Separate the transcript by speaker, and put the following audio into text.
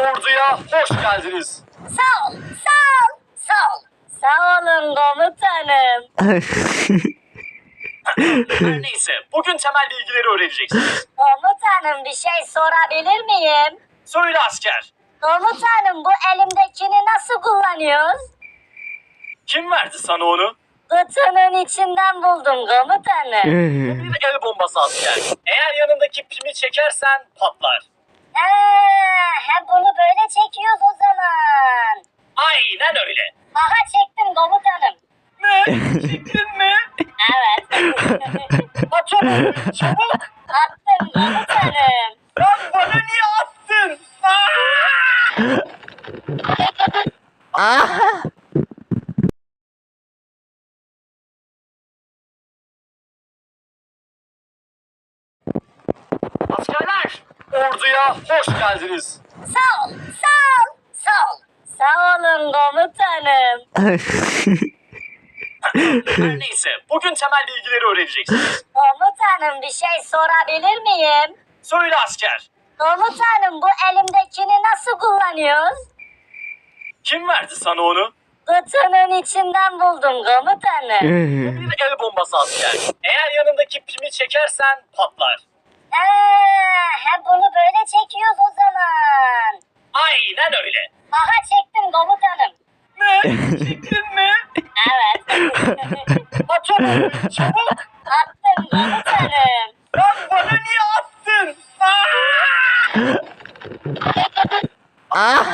Speaker 1: Orduya hoş geldiniz.
Speaker 2: Sağ ol, sağ ol, sağ ol. Sağ olun komutanım.
Speaker 1: Her neyse, bugün temel bilgileri öğreneceksiniz.
Speaker 2: Komutanım bir şey sorabilir miyim?
Speaker 1: Söyle asker,
Speaker 2: Komutanım bu elimdekini nasıl kullanıyoruz?
Speaker 1: kim verdi sana onu?
Speaker 2: Kutunun içinden buldum komutanım.
Speaker 1: Bir el bombası asker. Eğer yanındaki pimi çekersen patlar.
Speaker 2: He bunu böyle çekiyoruz o zaman.
Speaker 1: Aynen öyle.
Speaker 2: Aha çektim komutanım.
Speaker 1: Ne? Çektin mi?
Speaker 2: Evet.
Speaker 1: At onu, çabuk.
Speaker 2: Attım komutanım.
Speaker 1: Lan bana niye attın? Askerler, orduya hoş geldiniz.
Speaker 2: Sağ ol, sağ ol, sağ ol. Sağ olun komutanım.
Speaker 1: Her neyse, bugün temel bilgileri öğreneceksiniz.
Speaker 2: Komutanım bir şey sorabilir miyim?
Speaker 1: Söyle asker,
Speaker 2: Komutanım bu elimdekini nasıl kullanıyoruz?
Speaker 1: kim verdi sana onu?
Speaker 2: Kutunun içinden buldum komutanım.
Speaker 1: Bir el bombası asker. Eğer yanındaki pimi çekersen patlar.
Speaker 2: He bunu böyle çekiyoruz o zaman.
Speaker 1: Aynen öyle.
Speaker 2: Aha çektim komutanım.
Speaker 1: Ne? Çektin mi?
Speaker 2: Evet.
Speaker 1: At onu, çabuk.
Speaker 2: Attım komutanım.
Speaker 1: Lan bana niye attın?